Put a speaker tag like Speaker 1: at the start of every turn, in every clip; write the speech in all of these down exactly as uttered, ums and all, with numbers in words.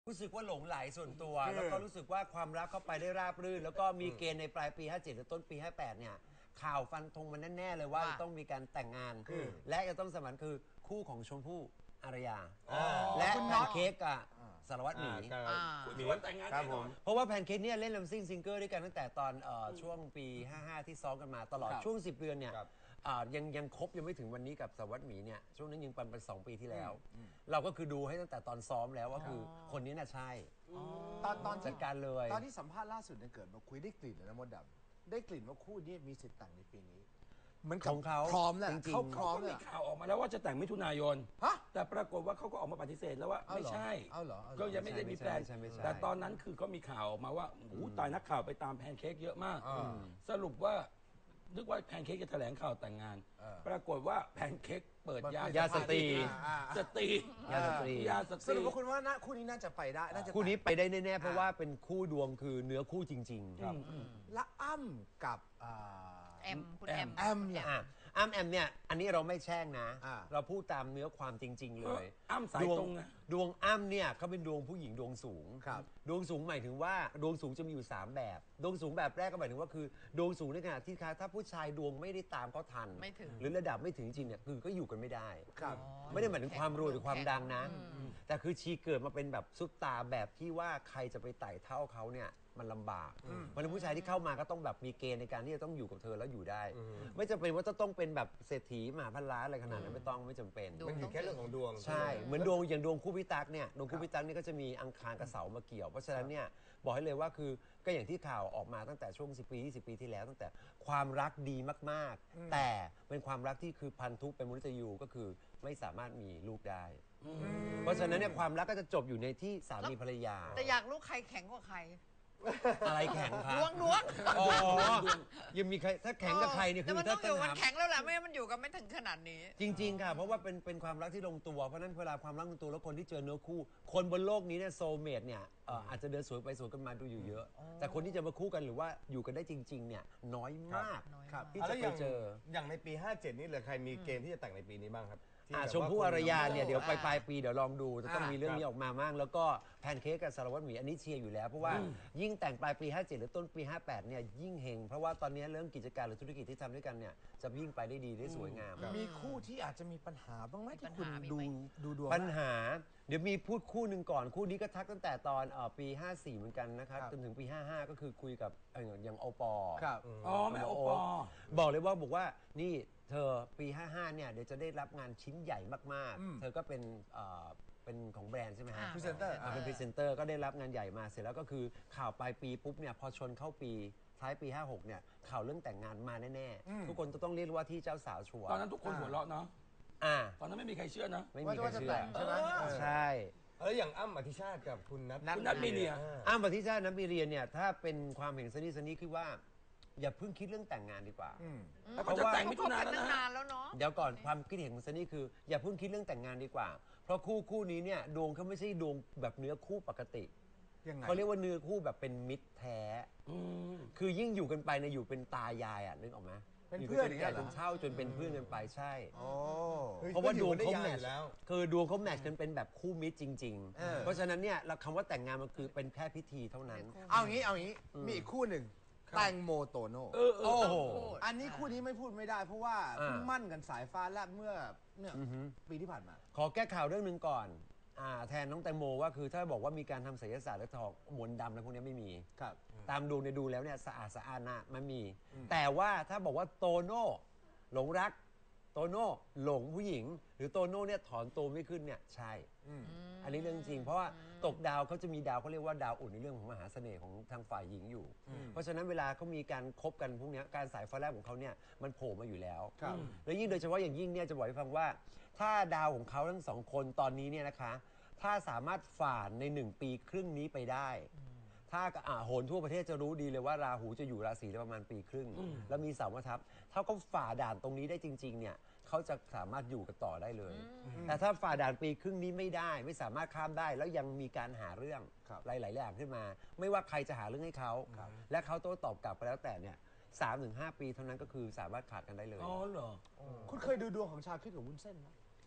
Speaker 1: รู้สึกว่าหลงไหลส่วนตัวแล้วก็รู้สึกว่าความรักเข้าไปได้ราบรื่นแล้วก็มีเกณฑ์ในปลายปีห้าเจ็ดหรือต้นปีห้าแปดเนี่ยข่าวฟันธงมันแน่ๆเลยว่าจะต้องมีการแต่งงานและจะต้องสมันคือคู่ของชมพู่อารยาและแพนเค้กกับสารวัตรหมี
Speaker 2: คุณชวนแต่งงานแน่นอน
Speaker 1: เพราะว่าแพนเค้กเนี่ยเล่นลำซิ่งซิงเกิลด้วยกันตั้งแต่ตอนช่วงปีห้าห้าที่ซ้อมกันมาตลอดช่วงสิบเดือนเนี่ยยังยังครบยังไม่ถึงวันนี้กับสารวัตรหมีเนี่ยช่วงนั้นยังปันไปสองปีที่แล้วเราก็คือดูให้ตั้งแต่ตอนซ้อมแล้วว่าคือคนนี้น่ะใช่
Speaker 3: ตอนตอน
Speaker 1: จัดการเลย
Speaker 3: ตอนที่สัมภาษณ์ล่าสุดเนี่ยเกิดมาคุยได้กลิ่นเลยนะมดดำได้กลิ่นว่าคู่นี้มีสิทธิ์แต่งในปีนี้
Speaker 1: เหมือนของเขา
Speaker 3: พร้อมแหละ
Speaker 2: เขาพร้อมมีข่าวออกมาแล้วว่าจะแต่งมิถุนายนแต่ปรากฏว่าเขาก็ออกมาปฏิเสธแล้วว่าไม่ใช่ก็ยังไม่ได้มีแพลนแต่ตอนนั้นคือก็มีข่าวออกมาว่าโอ้ตายนักข่าวไปตามแพนเค้กเยอะมากสรุปว่านึกว่าแพนเค้กจะแถลงข่าวแต่งงานปรากฏว่าแพนเค้กเปิดยาย
Speaker 1: าสตรี
Speaker 2: สตรี
Speaker 1: ยาสตรี
Speaker 2: ยาสตรี
Speaker 3: สรุปว่าคุณว่าคู่นี้น่าจะไปได้น่าจะ
Speaker 1: คู่นี้ไปได้แน่ๆเพราะว่าเป็นคู่ดวงคือเนื้อคู่จริงๆครับ
Speaker 3: และอ้ำกับ
Speaker 4: แอมคุณแอม
Speaker 3: แอมเนี่ย
Speaker 1: อ้ำแอมเนี่ยอันนี้เราไม่แช่งนะเราพูดตามเนื้อความจริงๆเลย
Speaker 2: อ้ำสายตรงนะ
Speaker 1: ดวงอ้ำเนี่ยเขาเป็นดวงผู้หญิงดวงสูงดวงสูงหมายถึงว่าดวงสูงจะมีอยู่สามแบบดวงสูงแบบแรกก็หมายถึงว่าคือดวงสูงในขณะที่ถ้าผู้ชายดวงไม่ได้ตามเขาทันหรือระดับไม่ถึงจริงเนี่ยคือก็อยู่กันไม่ได้ไม่ได้หมายถึงความรวยหรือความดังนะแต่คือชีเกิดมาเป็นแบบซุปตาแบบที่ว่าใครจะไปไต่เท่าเขาเนี่ยมันลำบากเพราะฉะนั้นผู้ชายที่เข้ามาก็ต้องแบบมีเกณฑ์ในการที่จะต้องอยู่กับเธอแล้วอยู่ได้ไม่จำเป็นว่าจะต้องเป็นแบบเศรษฐีมหาพันล้านอะไรขนาดนั้นไม่ต้องไม่จำเป็น
Speaker 5: มันอยู่แค่เรื่องของดวง
Speaker 1: ใช่เหมือนดวงอย่างดวงคู่พิตักเนี่ยดวงคู่พิตักนี่ก็จะมีอังคารกับเสามาเกี่ยวเพราะฉะนั้นเนี่ยบอกให้เลยว่าคือก็อย่างที่ข่าวออกมาตั้งแต่ช่วงสิบปียี่สิบปีที่แล้วตั้งแต่ความรักดีมากๆแต่เป็นความรักที่คือพันธุเป็นมนุษย์ยูก็คือไม่สามารถมีลูกได้เพราะฉะนั้นเนี่ยความรักก็จะจบอยู่ในที่สามีภรรยา
Speaker 4: แต่อยากรู้ใครแข็งกว่าใคร
Speaker 1: อะไรแข็งครับ
Speaker 4: ดวงดวง
Speaker 1: อ๋อยังมีใครถ้าแข็งกับใครเนี่ยคือถ้า
Speaker 4: อยู่มันแข็งแล้วแหละไม่มันอยู่กันไม่ถึงขนาดนี้
Speaker 1: จริงๆค่ะเพราะว่าเป็นเป็นความรักที่ลงตัวเพราะนั้นเวลาความรักลงตัวแล้วคนที่เจอเนื้อคู่คนบนโลกนี้เนี่ยโซลเมทเนี่ยอาจจะเดินสวนไปสวนกันมาดูอยู่เยอะแต่คนที่จะมาคู่กันหรือว่าอยู่กันได้จริงๆเนี่ยน้อยมากที่จะไปเจอ
Speaker 5: อย่างในปีห้าเจ็ดนี่เหลือใครมีเกณฑ์ที่จะแต่งในปีนี้บ้างครับ
Speaker 1: ชมพู่อารยาเนี่ยเดี๋ยวปลายปีเดี๋ยวลองดูจะต้องมีเรื่องนี้ออกมาบ้างแล้วก็แพนเค้กกับสารวัตรหมีอันนี้เชียร์อยู่แล้วเพราะว่ายิ่งแต่งปลายปีห้าเจ็ดหรือต้นปีห้าแปดเนี่ยยิ่งเฮงเพราะว่าตอนนี้เรื่องกิจการหรือธุรกิจที่ทำด้วยกันเนี่ยจะยิ่งไปได้ดีได้สวยงาม
Speaker 3: มีคู่ที่อาจจะมีปัญหาบ้างไหมที่คุณดูดูดวง
Speaker 1: ปัญหาเดี๋ยวมีพูดคู่หนึ่งก่อนคู่นี้ก็ทักตั้งแต่ตอนปีห้าสี่เหมือนกันนะครับจนถึงปีห้าห้าก็คือคุยกับอย่างโอปอ
Speaker 3: ครับ
Speaker 2: อ๋อแม่โอปอ
Speaker 1: บอกเลยว่าบอกว่านี่เธอปีห้าห้าเนี่ยเดี๋ยวจะได้รับงานชิ้นใหญ่มากๆเธอก็เป็นเป็นของแบรนด์ใช่ไหมฮะ
Speaker 3: พรีเซนเตอร์
Speaker 1: เป็นพรีเซนเตอร์ก็ได้รับงานใหญ่มาเสร็จแล้วก็คือข่าวปลายปีปุ๊บเนี่ยพอชนเข้าปีท้ายปีห้าหกเนี่ยข่าวเรื่องแต่งงานมาแน่ๆทุกคนจะต้องเรียกว่าที่เจ้าสาวชัวร์
Speaker 2: ตอนนั้นทุกคนหัวเราะเนาะ
Speaker 1: อ่า
Speaker 2: ตอนนั้นไม่มีใครเชื่อนะ
Speaker 1: ไม่มีใครเชื่อ
Speaker 3: ใช่ไหม
Speaker 1: ใช่
Speaker 5: แล้วอย่างอ้ำอธิชาติกับคุณนัท
Speaker 2: คุณนัทมีเรีย
Speaker 1: อ้ำอธิชาตินัทมีเรียเนี่ยถ้าเป็นความเห็นสนิทสนิทคือว่าอย่าเพิ่งคิดเรื่องแต่งงานดีกว่า
Speaker 2: เพราะว่าแต่งมิถุนายนแล้วนะ
Speaker 1: เดี๋ยวก่อนความคิดเห็นของซันนี่คืออย่าเพิ่งคิดเรื่องแต่งงานดีกว่าเพราะคู่คู่นี้เนี่ยดวงเขาไม่ใช่ดวงแบบเนื้อคู่ปกติเขาเรียกว่าเนื้อคู่แบบเป็นมิตรแท้คือยิ่งอยู่กันไปเนี่ยอยู่เป็นตายายอ่ะนึกออกไหม
Speaker 3: เป็นเพื่อน
Speaker 1: กันจนเช่าจนเป็นเพื่อนกันไปใช่
Speaker 5: เพ
Speaker 1: ราะว่าดวงเขาแมทช์คือดวงเขาแมทช์กันเป็นแบบคู่มิตรจริงๆเพราะฉะนั้นเนี่ยคำว่าแต่งงานมันคือเป็นแค่พิธีเท่านั้น
Speaker 3: เอางี้เอางี้มีอีกคู่หนึ่งแตงโมโตโน่
Speaker 1: โอ้โห
Speaker 3: อันนี้คู่นี้ไม่พูดไม่ได้เพราะว่าเพิ่งมั่นกันสายฟ้าแลบเมื่อเนี่ยปีที่ผ่านมา
Speaker 1: ขอแก้ข่าวเรื่องหนึ่งก่อนแทนน้องแตงโมว่าคือถ้าบอกว่ามีการทำศิลปศาสตร์และถอกมนต์ดำอะไรพวกนี้ไม่มี
Speaker 3: ครับ
Speaker 1: ตามดูในดูแล้วเนี่ยสะอาดสะอาดนะมันมีแต่ว่าถ้าบอกว่าโตโน่หลงรักโตโน่หลงผู้หญิงหรือโตโน่เนี่ยถอนตัวไม่ขึ้นเนี่ยใช่อันนี้เรื่องจริงเพราะว่าตกดาวเขาจะมีดาวเขาเรียกว่าดาวอุ่นในเรื่องของมหาเสน่ห์ของทางฝ่ายหญิงอยู่เพราะฉะนั้นเวลาเขามีการคบกันพวกนี้การสายฟ้าแลบของเขาเนี่ยมันโผล่มาอยู่แล้วแล้วยิ่งโดยเฉพาะอย่างยิ่งเนี่ยจะบอกให้ฟังว่าถ้าดาวของเขาทั้งสองคนตอนนี้เนี่ยนะคะถ้าสามารถฝ่าในหนึ่งปีครึ่งนี้ไปได้ถ้าอ่าโหนทั่วประเทศจะรู้ดีเลยว่าราหูจะอยู่ราศีประมาณปีครึ่งแล้วมีเสามาทับถ้าเขาฝ่าด่านตรงนี้ได้จริงๆเนี่ยเขาจะสามารถอยู่กันต่อได้เลยแต่ถ้าฝ่าด่านปีครึ่งนี้ไม่ได้ไม่สามารถข้ามได้แล้วยังมีการหาเรื่องหลายๆอย่างขึ้นมาไม่ว่าใครจะหาเรื่องให้เขาและเขาโต้ตอบกลับไปแล้วแต่เนี่ยสามถึงห้าปีเท่านั้นก็คือสามารถขาดกันได้เลย
Speaker 2: อ๋อเหรอ
Speaker 3: คุณเคยดูดวงของชาคริสกับวุ้นเส้นไหม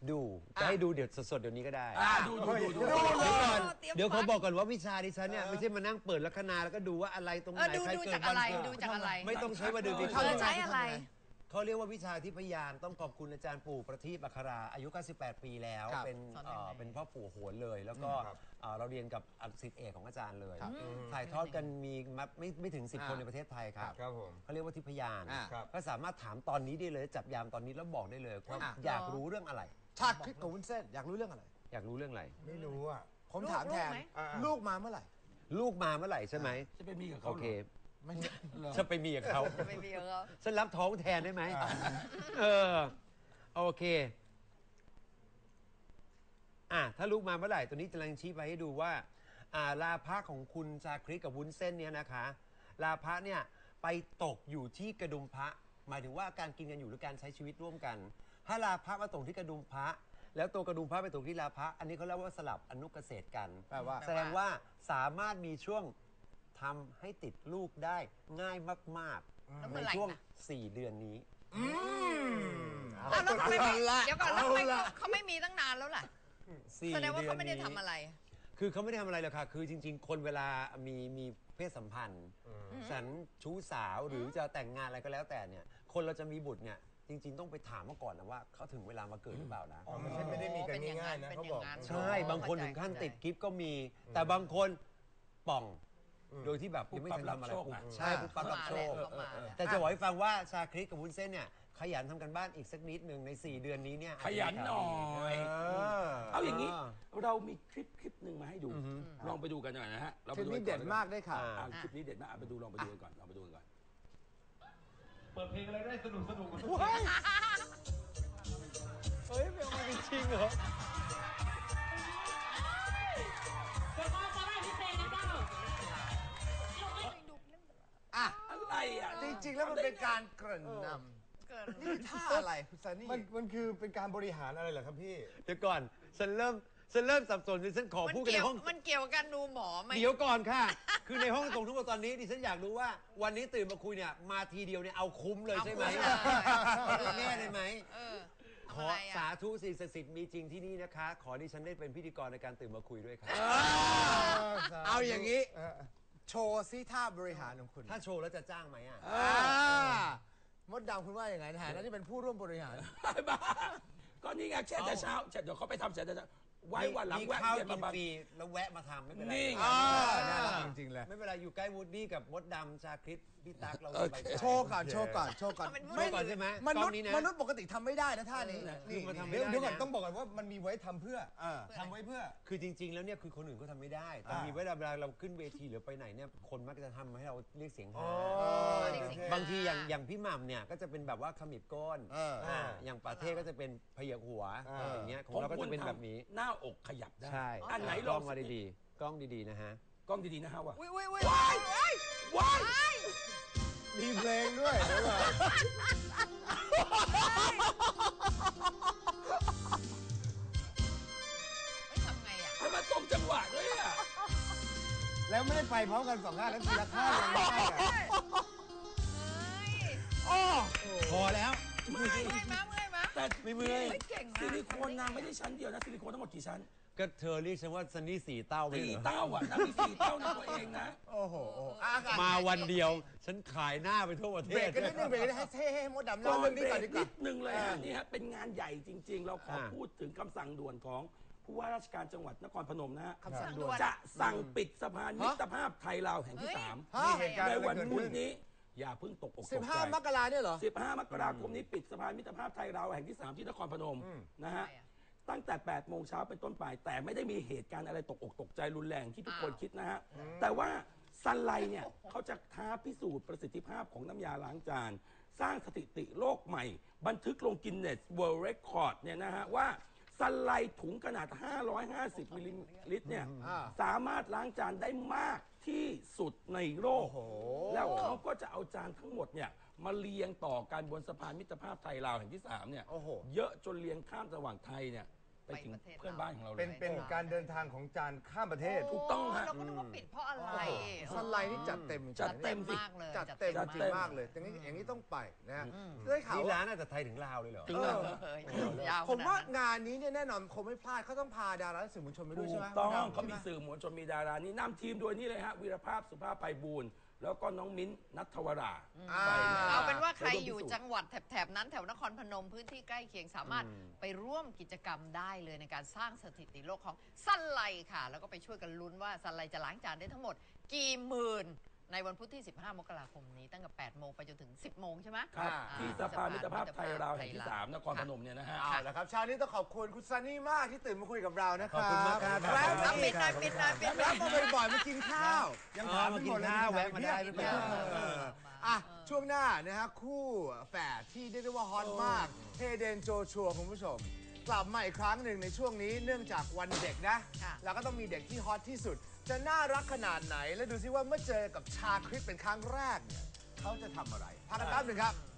Speaker 1: ดูจะให้ดูเดี๋ยวสดๆเดี๋ยวนี้ก็ได้
Speaker 2: อ่าดูดูดูดู
Speaker 1: เดี๋ยวก่อน
Speaker 4: เตรียม
Speaker 1: เดี๋ยวเขา
Speaker 4: ฟัง
Speaker 1: บอกก่อนว่าวิชาดิฉันเนี่ยไม่ใช่มานั่งเปิดลัคนาแล้วก็ดูว่าอะไรตรงไห
Speaker 4: เออน ดู
Speaker 1: ใคร
Speaker 4: ดู
Speaker 1: เกิ
Speaker 4: จา
Speaker 1: ด
Speaker 4: ก
Speaker 1: วั
Speaker 4: อะ
Speaker 1: น
Speaker 4: ไร
Speaker 1: เกิด
Speaker 4: ดูจากอะไร
Speaker 1: ไม่ต้องใช้ว่าดูดิ
Speaker 4: เออใช้อะไร
Speaker 1: เขาเรียกว่าวิชาทิพยานต้องขอบคุณอาจารย์ปู่ประทีปอัคราอายุเก้าสิบแปดปีแล้ว
Speaker 3: ครับ
Speaker 1: เป็น
Speaker 4: สอน
Speaker 1: เอ่อ
Speaker 4: ยังไง
Speaker 1: เป็นพ่อปู่โหนเลย แล้วก็
Speaker 5: ครับ
Speaker 1: เอ่อเราเรียนกับศิษย์เอกของอาจารย์เลย
Speaker 3: ครับ
Speaker 1: ถ่ายทอดกันมีมาไม่ไม่ถึงสิบ
Speaker 3: อ่า
Speaker 1: คนในประเทศไทยครับ
Speaker 5: ครับผม
Speaker 1: เขาเรียกว่าทิพยาน
Speaker 3: อ่า
Speaker 5: ครับ
Speaker 1: ก็สามารถถามตอนนี้ได้เลยจับยามตอนนี้แล้วบอกได้เลยว่า
Speaker 3: อ่ะ
Speaker 1: อยากรู้เรื่องอะไร
Speaker 3: ชาติคริสกับวุ้นเส้นอยากรู้เรื่องอะไร
Speaker 1: อยากรู้เรื่องอะไร
Speaker 5: ไม่รู้อ่ะ
Speaker 3: ผมถามแทน
Speaker 4: ลูกไหม
Speaker 5: อ่าๆ
Speaker 3: ลูกมาเมื่อไหร่
Speaker 1: ลูกมาเมื่อไหร่ใช่ไหม
Speaker 2: จะไปมีกับ
Speaker 1: โอ
Speaker 2: เขาเหร
Speaker 1: เค
Speaker 2: อ
Speaker 3: ไม่
Speaker 1: จะไปมีกับเขา
Speaker 4: ไม่มีเขา
Speaker 1: ฉันรับท้องแทนได้ไหม เออ โอเค อ่ะ ถ้าลูกมาเมื่อไหร่ ตัวนี้กำลังชี้ไปให้ดูว่า อ่า ลาภะของคุณชาคริสกับวุ้นเส้นเนี่ยนะคะ ลาภะเนี่ยไปตกอยู่ที่กระดุมพระ หมายถึงว่าการกินกันอยู่หรือการใช้ชีวิตร่วมกัน ถ้าลาภะมาตกที่กระดุมพระ แล้วตัวกระดุมพระไปตกที่ลาภะ อันนี้เขาเรียกว่าสลับอนุเกษตรกัน
Speaker 3: แปลว่า
Speaker 1: แสดงว่าสามารถมีช่วงทำให้ติดลูกได้ง่ายมาก
Speaker 4: แล้ว
Speaker 1: ๆ
Speaker 4: เมื่
Speaker 1: ใน
Speaker 4: อไหร่
Speaker 1: ช่วง
Speaker 4: นะ
Speaker 1: สี่เดือนนี้
Speaker 4: อ้าวแล้วทำไมไม่
Speaker 3: เอาละ
Speaker 4: เดี๋ยวก่อนแล้วทำไมเขาเขาไม่มีตั้งนานแล้วล่ะ
Speaker 1: สี่
Speaker 4: แสดงว่า
Speaker 1: ดือน
Speaker 4: เขาไม่ได้
Speaker 1: นี้
Speaker 4: ทำอะไร
Speaker 1: คือเขาไม่ได้ทำอะไรหรอกค่ะ คือจริง ๆ คนเวลามีมีเพศสัมพันธ์สันชู้สาวหรือจะแต่งงานอะไรก็แล้วแต่เนี่ย คนเราจะมีบุตรเนี่ย จริง ๆ ต้องไปถามมาก่อนนะว่าเขาถึงเวลามาเกิดหรือเปล่านะ
Speaker 5: อ๋อไม่ใช่ไม่ได้มีกันง่ายๆนะ
Speaker 4: เป็น
Speaker 5: เขา
Speaker 4: อย่า
Speaker 5: บอก
Speaker 4: งนั้น
Speaker 1: ใช่ บางคนถึงขั้นติดกิฟต์ก็มี แต่บางคนป่อง โดยที่แบบยังไม่ทันทำอะไร
Speaker 2: ปุ๊บปั๊บรับโชคอะ
Speaker 1: ใช่ปุ๊บปั๊บรับโชค
Speaker 4: เข้ามาแล้ว
Speaker 1: แต่จะบอกให้ฟังว่าชาคริสกับวุ้นเส้นเนี่ยขยันทำกันบ้านอีกสักนิดหนึ่งใน สี่ เดือนนี้เนี่ย
Speaker 2: ขยันหน่อย
Speaker 1: เออ
Speaker 2: เอาอย่างนี้ เรามีคลิปคลิปหนึ่งมาให้ดู ลองไปดูกันหน่อยนะฮะ เรา
Speaker 3: ค
Speaker 2: ไป
Speaker 3: ลิป
Speaker 2: ดู
Speaker 3: นี้
Speaker 2: กั
Speaker 3: เด็ด
Speaker 2: อน
Speaker 3: มากได้ค่ะ
Speaker 1: อ่า
Speaker 2: อ่าคลิปนี้เด็ดมากอ่ะไปดูลองไปดูกันก่อน ลองไปดูกันก่อน
Speaker 6: เปิดเพลงอะไรได้สนุกสนุก
Speaker 1: เฮ้ยไม่เอาจริงเหรอ
Speaker 3: อ่ะ
Speaker 2: อะไรอ่ะ
Speaker 3: จริงๆ แล้วมันเป็นการเกริ่นน
Speaker 4: เกิน
Speaker 3: ำนี่คือท่าอะไรคุณซันนี่
Speaker 5: มันมันคือเป็นการบริหารอะไรเหรอครับพี่
Speaker 1: เดี๋ยวก่อน ฉันเริ่ม ฉันเริ่มสับสนดิฉันขอ
Speaker 4: มัน
Speaker 1: พูดกัน
Speaker 4: เกี่
Speaker 1: ใน
Speaker 4: ยว
Speaker 1: ห้อง
Speaker 4: มันเกี่ยวกับการดูหมอไหม
Speaker 1: เดี๋ยวก่อนค่ะ คือในห้องส่งทุกคนตอนนี้ดิฉันอยากรู้ว่า วันนี้ตื่นมาคุยเนี่ย มาทีเดียวเนี่ยเอาคุ้มเลยใช่ไหม
Speaker 4: เอาคุ้มเลย
Speaker 1: เอาแน่เลยไหม
Speaker 4: เออ
Speaker 1: ข
Speaker 4: ทำ
Speaker 1: อ
Speaker 4: อะไร
Speaker 1: สา
Speaker 4: อ่ะ
Speaker 1: ธุสิ่งศักดิ์สิทธิ์มีจริงที่นี่นะคะ ขอดิฉันได้เป็นพิธีกรในการตื่นมาคุยด้วยครับ
Speaker 3: เอาอย่างนี้ โชว์ซิท่าบริหารของคุณ
Speaker 1: ถ้าโชว์แล้วจะจ้างไหมอ่ะ
Speaker 3: อ่ามดดำคุณว่าอย่างไงในฐานะที่เป็นผู้ร่วมบริหาร
Speaker 2: บ้าก็นี่ไงแช่แต่เช้าแช่เดี๋ยวเขาไปทำแช่แต่เช้าไว้วันหลัง
Speaker 1: มี
Speaker 2: แวะ
Speaker 1: ข้าว
Speaker 2: เวียน
Speaker 1: กิ
Speaker 2: มาน บ้าง
Speaker 1: ฟรีแล้วแวะมาทำไม่เป็นไร
Speaker 2: นี่ไง
Speaker 3: อ่าน่ารักจริงๆเลย
Speaker 1: ไม่เป็นไรอยู่ใกล้วูดดี้กับมดดำชาคริสพี่ตั๊กเรา
Speaker 2: โอ
Speaker 1: ไป
Speaker 2: เค
Speaker 3: โชว์ก่อนโชว์ก่อนโชว์ก่อน
Speaker 4: เอาเป็นผู้
Speaker 1: โชว์ก่อนใช่ไหม
Speaker 3: ม
Speaker 1: กล้
Speaker 3: นุ
Speaker 1: อ
Speaker 3: ษ
Speaker 1: ง
Speaker 3: ย์
Speaker 1: นี้นะ
Speaker 3: มนุษย์ปกติทำไม่ได้นะท่านี้
Speaker 1: คือมาทำ
Speaker 5: เดี๋ยว
Speaker 1: ไม่ได้
Speaker 5: เดี๋ยวก่อน
Speaker 1: นะ
Speaker 5: ต้องบอกก่อนว่ามันมีไว้ทำเพื่อ
Speaker 3: เออ
Speaker 5: ทำไว้เพื่อ
Speaker 1: คือจริง ๆ แล้วเนี่ยคือคนอื่นเขาทำไม่ได้ แต่
Speaker 5: อ่ามี
Speaker 1: มีเวลาเวลาเราขึ้นเวทีหรือไปไหนเนี่ยคนมักจะทำให้เราเรียกเสียงฮา
Speaker 4: เรียกเสียงฮา
Speaker 1: บางทีอย่างอย่างพี่หม่ำเนี่ยก็จะเป็นแบบว่าขมิบก้น
Speaker 3: เออ
Speaker 1: อ่าอย่างปาเท่ก็จะเป็นพยักหัว
Speaker 5: อ่า
Speaker 1: อย่างเงี้ยของเราก็จะเป็นแบบนี้
Speaker 2: หน้าอกขยับได้
Speaker 1: ใช่
Speaker 2: อันไหน
Speaker 1: ก
Speaker 2: ล
Speaker 1: ล้
Speaker 2: อ
Speaker 1: อง งมาดีๆกล้องดีๆนะฮะ
Speaker 2: กล้องดีๆนะฮะว่า
Speaker 4: อุ้ยอุ้ยอุ้ย
Speaker 2: ว้ายว้าย
Speaker 5: มีเพลงด้วยเดี๋ยวก่อน
Speaker 4: เฮ้ยทำไงอ่ะ
Speaker 2: ทำไมตรงจังหวะด้วยอ่ะ
Speaker 5: แล้วไม่ได้ไปพร้อมกันสองข้างแล้วทีละข้างยังไม่ได้อะ
Speaker 4: เฮ้ย
Speaker 1: พอแล้ว
Speaker 4: เมื่อยมั้ยเมื่อยมั้ย
Speaker 2: แต่
Speaker 1: ไม่เมื่อย
Speaker 4: เฮ้ยเก่งนะ
Speaker 2: ซิลิโคนนางไม่ได้ชั้นเดียวนะซิลิโคนทั้งหมดกี่ชั้น
Speaker 1: ก็เธอเรียกฉันว่าซันนี่สี่เต้าไป
Speaker 2: สี่
Speaker 1: เหรอ
Speaker 2: เต้าอ่ะนางมีสี่เต้าในตัวเองนะ
Speaker 3: โอ้โหโอ้โหอ่ะอ่ะ
Speaker 1: มาวันเดียว ฉันขายหน้าไปทั่วประเท
Speaker 3: เบร
Speaker 1: ศ
Speaker 3: กกันนิดนึงเบรกกันนิดนึงให้ให้ให้มดดำ
Speaker 2: ก่
Speaker 3: เล่า
Speaker 2: อน
Speaker 3: เรื่อง
Speaker 2: เบ
Speaker 3: นี้
Speaker 2: ร
Speaker 3: ก่อน
Speaker 2: ก
Speaker 3: ดีกว่า
Speaker 2: นิดนึงเลยฮะนี่ฮะเป็นงานใหญ่จริง ๆ เราขอพูดถึงคำสั่งด่วนของผู้ว่าราชการจังหวัดนครพนมนะฮะ
Speaker 3: คำสั่งด่วน
Speaker 2: จะสั่งปิดสะพานมิตรภาพไทยลาวแห่งที่สาม
Speaker 3: ฮะ
Speaker 5: มีเหตุการณ์
Speaker 2: ใน
Speaker 5: อะไร
Speaker 2: วัน
Speaker 5: เกิด
Speaker 2: พุธ
Speaker 5: ขึ้น
Speaker 2: นี้ อย่าเพิ่งตกอกต
Speaker 3: สิบ
Speaker 2: ก
Speaker 3: ห้า
Speaker 2: ใจ
Speaker 3: มกราเนี่ยเหรอ
Speaker 2: สิบห้ามกราคมนี้ปิดสะพานมิตรภาพไทยลาวแห่งที่สามที่นครพนมนะฮะ ตั้งแต่แปดโมงเช้าเป็นต้นไป แต่ไม่ได้มีเหตุการณ์อะไรตกอกตกใจรุนแรงที่ทุกคน
Speaker 4: อ้าว
Speaker 2: คิดนะฮะ แต่ว่าซันไลเนี่ยเขาจะท้าพิสูจน์ประสิทธิภาพของน้ำยาล้างจาน สร้างสถิติโลกใหม่ บันทึกลงกินเนสเวิลด์เรคคอร์ดเนี่ยนะฮะว่าซันไลถุงขนาด ห้าร้อยห้าสิบมิลลิลิตรเนี่ย
Speaker 3: อ่า
Speaker 2: สามารถล้างจานได้มากที่สุดในโลก แล้วเขาก็จะเอาจานทั้งหมดเนี่ยมาเรียงต่อกันบนสะพานมิตรภาพไทยลาวแห่งที่สามเนี่ย
Speaker 3: โอ้โห
Speaker 2: เยอะจนเรียงข้ามระหว่างไทยเนี่ยไปถึงเพื่อนบ้านของเราเลย
Speaker 5: เป็นเป็นการเดินทางของจานข้ามประเทศ
Speaker 2: ถูกต้องฮะ
Speaker 4: เราก็นึกว่าปิดเพราะอะไร
Speaker 3: สไลด์นี่จัดเต็ม
Speaker 2: จัดเต็มสิ
Speaker 4: มากเลย
Speaker 3: จัดเต็ม
Speaker 2: จัด
Speaker 3: จริ
Speaker 2: เต็
Speaker 3: ง
Speaker 2: ม
Speaker 3: มากเลยอย่างนี้อย่างนี้ต้องไปนะฮะได้ข่าว
Speaker 1: นี่
Speaker 3: ว่า
Speaker 1: ร้านอาจจะไทยถึงลาวเลยเหรอ
Speaker 2: ถึงแล้ว
Speaker 4: เออยาว
Speaker 3: ผมว่า
Speaker 4: ขนดนั้น
Speaker 3: งานนี้เนี่ยแน่นอนคงไม่พลาดเขาต้องพาดาราและสื่อมวลชนไปด้วย
Speaker 2: ถู
Speaker 3: ใช่ไหม
Speaker 2: กต้อง
Speaker 3: ใช่ไห
Speaker 2: เขามีสื่อมวลชนมีดารานี่นำทีมโดยนี่เลยฮะวีรภาพสุภาพไพบูลย์แล้วก็น้องมิ้นท์นัทวรา
Speaker 3: อ่า
Speaker 2: ไปนะ
Speaker 4: เอาเป็นว่าใคร
Speaker 2: ไปวม
Speaker 4: อยู่
Speaker 2: พิสูจน์
Speaker 4: จังหวัดแถบๆนั้นแถวนครพนมพื้นที่ใกล้เคียงสามารถไปร่วมกิจกรรมได้เลยในการสร้างสถิติโลกของซันไลค่ะ แล้วก็ไปช่วยกันลุ้นว่าซันไลจะล้างจานได้ทั้งหมดกี่หมื่นในวันพุธที่ สิบห้า มกราคมนี้ตั้งแต่ แปด โมงไปจนถึง สิบ โมงใช่ไหม
Speaker 2: ครับ
Speaker 4: อ่า
Speaker 2: ที่สภามิตรภาพไทยลาวแห่งที่สามนครพนมเนี่ยนะฮะ
Speaker 3: เอาละครับเช้านี้ต้องขอบคุณคุณซันนี่มากที่ตื่นมาคุยกับเรานะครับ
Speaker 1: ขอบคุณมากครับ
Speaker 3: แวะ
Speaker 4: เอา
Speaker 3: มา
Speaker 4: ปิดหน่อยปิดหน่อยปิดหน่
Speaker 3: แวะ
Speaker 4: อย
Speaker 3: มาบ่อยๆมากินข้าว ยังถามไม่หมดเลย
Speaker 1: อ๋อมากินข้าวแวะมาได้ไม่เป็นไร
Speaker 3: เอออ่ะช่วงหน้านะฮะคู่แฝดที่เรียกได้ว่าฮอตมากเฮเดนโจชัวคุณผู้ชม กลับมาอีกครั้งหนึ่งในช่วงนี้เนื่องจากวันเด็กนะ
Speaker 4: ค่ะ
Speaker 3: แล้วก็ต้องมีเด็กที่ฮอตที่สุด จะน่ารักขนาดไหน และดูซิว่าเมื่อเจอกับชาคริสเป็นครั้งแรกเนี่ยเขาจะทำอะไรพักกันแป๊บหนึ่งครับ